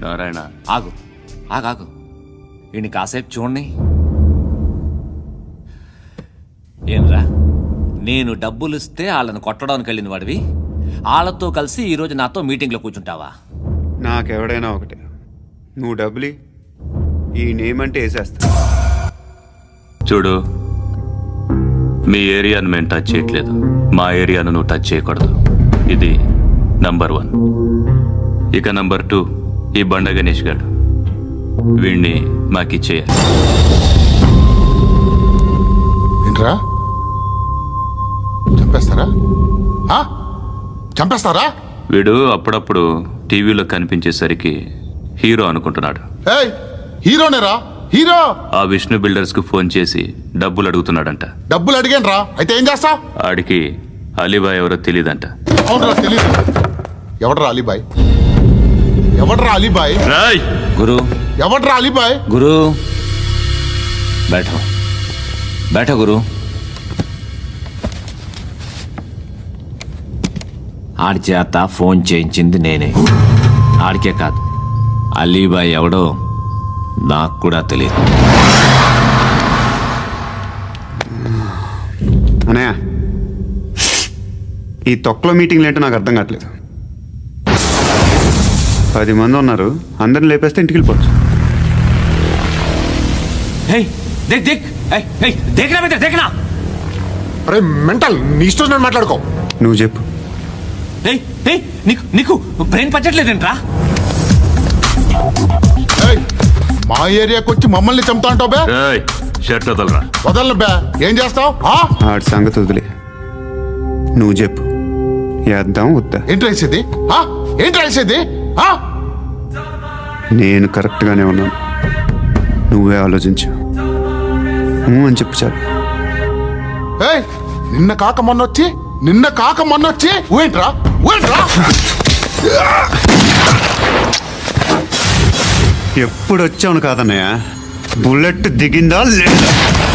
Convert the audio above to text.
నారాయణ ఆగు ఆగాగు ఈయన కాసేపు చూడండి. ఏంరా, నేను డబ్బులు ఇస్తే వాళ్ళని కొట్టడానికి వెళ్ళిన వాడివి, వాళ్ళతో కలిసి ఈరోజు నాతో మీటింగ్లో కూర్చుంటావా? నాకెవడైనా ఒకటే, నువ్వు డబ్బులి ఈ నేమ్ అంటే వేసేస్తా. చూడు, మీ ఏరియాను మేము టచ్ చేయట్లేదు, మా ఏరియాను నువ్వు టచ్ చేయకూడదు. ఇది నంబర్ 1. ఇక నంబర్ 2, ఈ బండ గణేష్ గారు, వీణ్ణి మాకిచ్చేయాలి. ఏంట్రా, చంపేస్తారా? చంపేస్తారా? వీడు అప్పుడప్పుడు టీవీలో కనిపించేసరికి హీరో అనుకుంటున్నాడు. ఏయ్, హీరోనేరా, హీరో. ఆ విష్ణు బిల్డర్స్ కు ఫోన్ చేసి డబ్బులు అడుగుతున్నాడంట. డబ్బులు అడిగాను రా, అయితే ఏం చేస్తా? ఆడికి అలీబాయ్ ఎవరో తెలియదంట. అవునరా, తెలీదు. ఎవడ్రా అలీబాయ్? ఎవడ్రా అలీబాయ్? రాయ్ గురు, ఎవడ్రా అలీబాయ్? గురు బైఠో బైఠో గురు. ఆడి చేత ఫోన్ చేయించింది నేనే. ఆడికే కాదు, అలీబాయ్ ఎవడో నాకు కూడా తెలియదు. అనయ్య, ఈ తొక్కలో మీటింగ్లు ఏంటో నాకు అర్థం కావట్లేదు. 10 మంది ఉన్నారు, అందరిని లేపేస్తే ఇంటికి వెళ్ళిపోవచ్చు. అరే మెంటల్, నీ ఇష్టం నేను మాట్లాడుకో. నువ్వు చెప్పు. నీకు బ్రెయిన్ పచ్చట్లేదేంట్రా? ఏయ్, మా ఏరియాకి వచ్చి మమ్మల్ని చంపుతా అంటావు బే? షర్ట్ వదలరా. వదలను బే. ఏం చేస్తావు? ఆడి సంగతి వదిలే, నువ్వు చెప్పు. వేద్దాం వద్దా? ఏంటి రాసేది? ఏంటి రాసేది? నేను కరెక్ట్గానే ఉన్నాను, నువ్వే ఆలోచించు. అని చెప్పు చాలు. ఏయ్, నిన్న కాక మొన్నొచ్చి ఊయంట్రా ఊయంట్రా. ఎప్పుడు వచ్చావును కాదన్నయ్య, బుల్లెట్ దిగిందా లేదా?